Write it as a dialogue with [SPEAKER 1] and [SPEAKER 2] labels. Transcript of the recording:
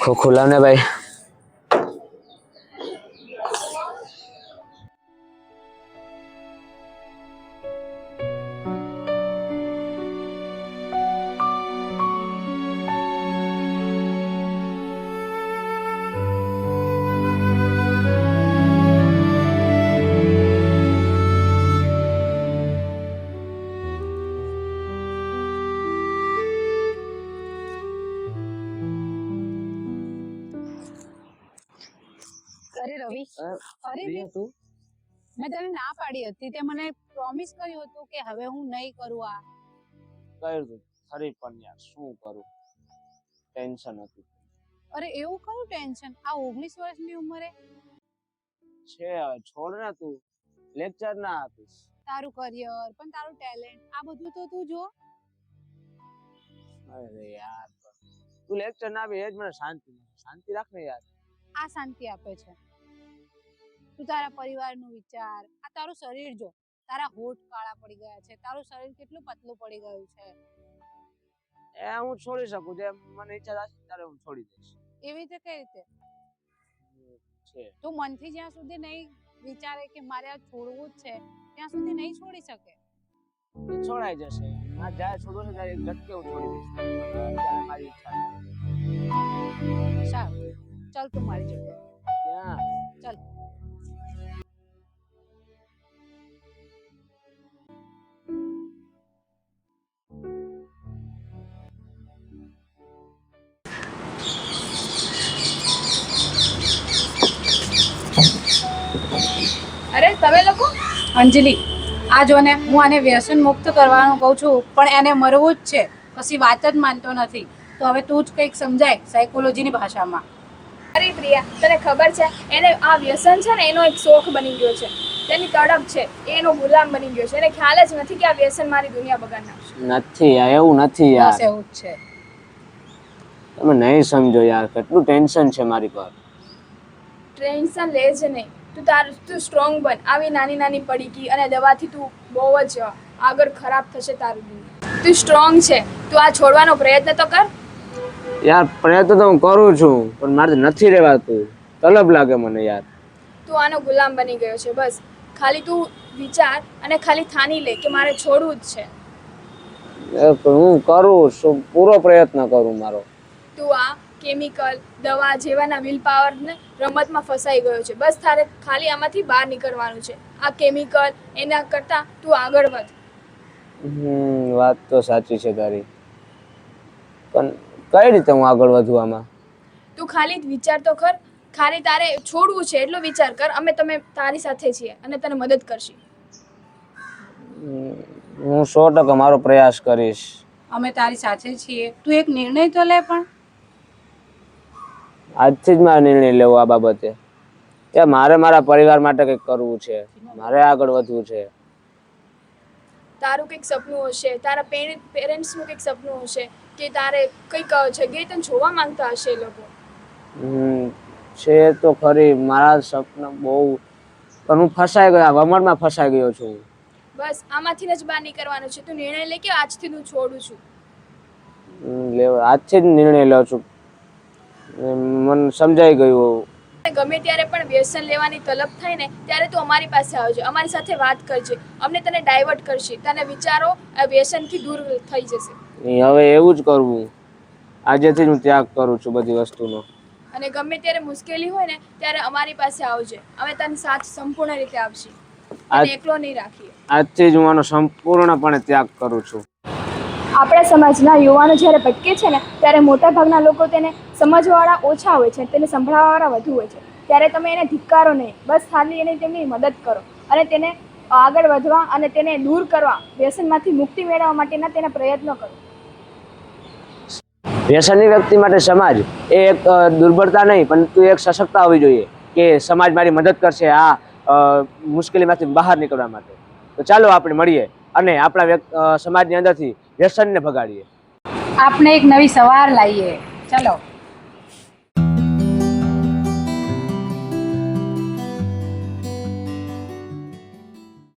[SPEAKER 1] ખુલ્લા ને ભાઈ.
[SPEAKER 2] અરે રવિ, અરે
[SPEAKER 1] તું
[SPEAKER 2] મેં તને ના પાડી હતી. તે મને પ્રોમિસ કર્યું હતું કે હવે હું નહીં કરું આ.
[SPEAKER 1] કર્યું તું ખરી પણ યાર શું કરું, ટેન્શન હતું.
[SPEAKER 2] અરે એવું કયું ટેન્શન આ 19 વર્ષની ઉંમરે?
[SPEAKER 1] છે છોડ ને, તું લેક્ચર ના આપીશ.
[SPEAKER 2] તારું કરિયર પણ તારું ટેલેન્ટ આ બધું તો તું જો.
[SPEAKER 1] અરે યાર તું લેક્ચર ના આપી એ જ મને શાંતિ રાખ ને યાર.
[SPEAKER 2] આ શાંતિ આપે છે? તું તારા પરિવારનું વિચાર. આ તારું શરીર જો, તારા હોઠ કાળા પડી ગયા છે, તારું શરીર કેટલું પતલું પડી ગયું છે.
[SPEAKER 1] એ હું છોડી શકું, જે મને ઈચ્છા થશે ત્યારે હું છોડી દઈશ.
[SPEAKER 2] એવી રીતે કઈ રીતે?
[SPEAKER 1] છે
[SPEAKER 2] તું મનથી જ્યાં સુધી નહીં વિચારે કે મારે આ છોડવું જ છે ત્યાં સુધી નહીં છોડી શકે.
[SPEAKER 1] એ છોડાઈ જશે. આ જ્યારે છોડવું છે ત્યારે એક ઝટકે હું છોડી દઈશ. ત્યારે મારી ઈચ્છા છે.
[SPEAKER 2] સારું, ચાલ તું મારી જોડે.
[SPEAKER 1] ક્યાં?
[SPEAKER 2] ચાલ. અરે તમે લોકો, અંજલિ આ જો ને, હું આને વ્યસન મુક્ત કરવાનું કહું છું પણ એને મરવું જ છે. કશી વાત જ માનતો નથી. તો હવે તું જ કંઈક સમજાય સાયકોલોજીની ભાષામાં.
[SPEAKER 3] અરે પ્રિયા, તને ખબર છે એને આ વ્યસન છે ને એનો એક શોખ બની ગયો છે, તેની તડપ છે, એનો ગુલામ બની ગયો છે. એને ખ્યાલ જ નથી કે આ વ્યસન મારી દુનિયા બગાડ નાખશે.
[SPEAKER 1] નથી યાર, એવું નથી યાર.
[SPEAKER 2] બસ એવું જ છે.
[SPEAKER 1] તમે નહીં સમજો યાર, કેટલું ટેન્શન છે મારી પર.
[SPEAKER 3] ટેન્શન લે જ નહીં. તું સ્ટ્રોંગ બન. આવી નાની નાની પડીકી અને દવાથી તું બહુ જ આગળ ખરાબ થશે તારું દુનિયા. તું સ્ટ્રોંગ છે, તું આ છોડવાનો પ્રયત્ન તો કર.
[SPEAKER 1] યાર પ્રયત્ન તો હું કરું છું પણ મારે નથી રહેવાતું. તલબ લાગે મને યાર.
[SPEAKER 3] તું આનો ગુલામ બની ગયો છે. બસ ખાલી તું વિચાર અને ખાલી ઠાની લે કે મારે છોડવું જ છે.
[SPEAKER 1] હું કરું છું, પૂરો પ્રયત્ન કરું મારો.
[SPEAKER 3] તું આ કેમિકલ દવા જેવાના વિલ પાવરને રમતમાં ફસાઈ ગયો છે. બસ તારે ખાલી આમાંથી બહાર નીકળવાનું છે. આ કેમિકલ એના કરતાં તું આગળ વધ.
[SPEAKER 1] વાત તો સાચી છે તારી, પણ કઈ રીતે હું આગળ વધું આમાં?
[SPEAKER 3] તું ખાલી વિચાર તો કર. ખાલી તારે છોડવું છે એટલો વિચાર કર. તમે તારી સાથે છીએ અને તને મદદ કરશી.
[SPEAKER 1] હું 100% મારો પ્રયાસ કરીશ.
[SPEAKER 2] અમે તારી સાથે છીએ. તું એક નિર્ણય તો લે. પણ
[SPEAKER 1] આજથી જ મારે નિર્ણય લેવો આ બાબતે કે મારે મારા પરિવાર માટે કંઈક કરવું છે, મારે આગળ વધવું છે.
[SPEAKER 3] તારું કંઈક સપનું હશે, તારા પેરેન્ટ્સનું કંઈક સપનું હશે કે તારે કંઈક જગ્યાએ તને જોવા માંગતા હશે એ લોકો.
[SPEAKER 1] છે તો ખરી મારા સપના બહુ, પણ હું ફસાઈ ગયો, વમળમાં ફસાઈ ગયો છું.
[SPEAKER 3] બસ આમાંથી જ બહાર નીકળવાનું છે. તું નિર્ણય લે કે આજથી હું છોડું છું.
[SPEAKER 1] આજથી જ નિર્ણય લઉં છું. મને સમજાઈ ગયું.
[SPEAKER 3] ગમે ત્યારે પણ વ્યસન લેવાની તલબ થાય ને ત્યારે તું અમારી પાસે આવજે, અમારી સાથે વાત કરજે. અમને તને ડાયવર્ટ કરશે. તને વિચારો આ વ્યસનથી દૂર થઈ જશે.
[SPEAKER 1] હવે એવું જ કરવું. આજેથી જ હું ત્યાગ કરું છું બધી વસ્તુનો.
[SPEAKER 3] અને ગમે ત્યારે મુશ્કેલી હોય ને ત્યારે અમારી પાસે આવજે. અમે તને સાથ સંપૂર્ણ રીતે આપશી. અને એકલો નહીં રાખીએ.
[SPEAKER 1] આજથી જ હું આનો સંપૂર્ણપણે ત્યાગ કરું છું.
[SPEAKER 3] આપણા સમાજના યુવાનો જ્યારે ભટકે છે ને ત્યારે મોટાભાગના લોકો તેને સમજવાવાળા ઓછા હોય છે, તેને સંભળાવવાવાળા વધુ હોય છે. ત્યારે તમે એને ધિક્કારો નહીં, બસ ખાલી એને તેમની મદદ કરો અને તેને આગળ વધવા અને તેને દૂર કરવા, વ્યસનમાંથી મુક્તિ મેળવવા માટેના તેના પ્રયત્નો કરો.
[SPEAKER 1] વ્યસની વ્યક્તિ માટે સમાજ એ એક દુર્બળતા નહીં પરંતુ એક સશક્તતા હોવી જોઈએ કે સમાજ મારી મદદ કરશે આ મુશ્કેલીમાંથી બહાર નીકળવા માટે. તો ચાલો આપણે મળીએ અને આપણા સમાજની અંદરથી વ્યસનને ભગાડીએ.
[SPEAKER 2] આપણે એક નવી સવાર લાવીએ. ચલો.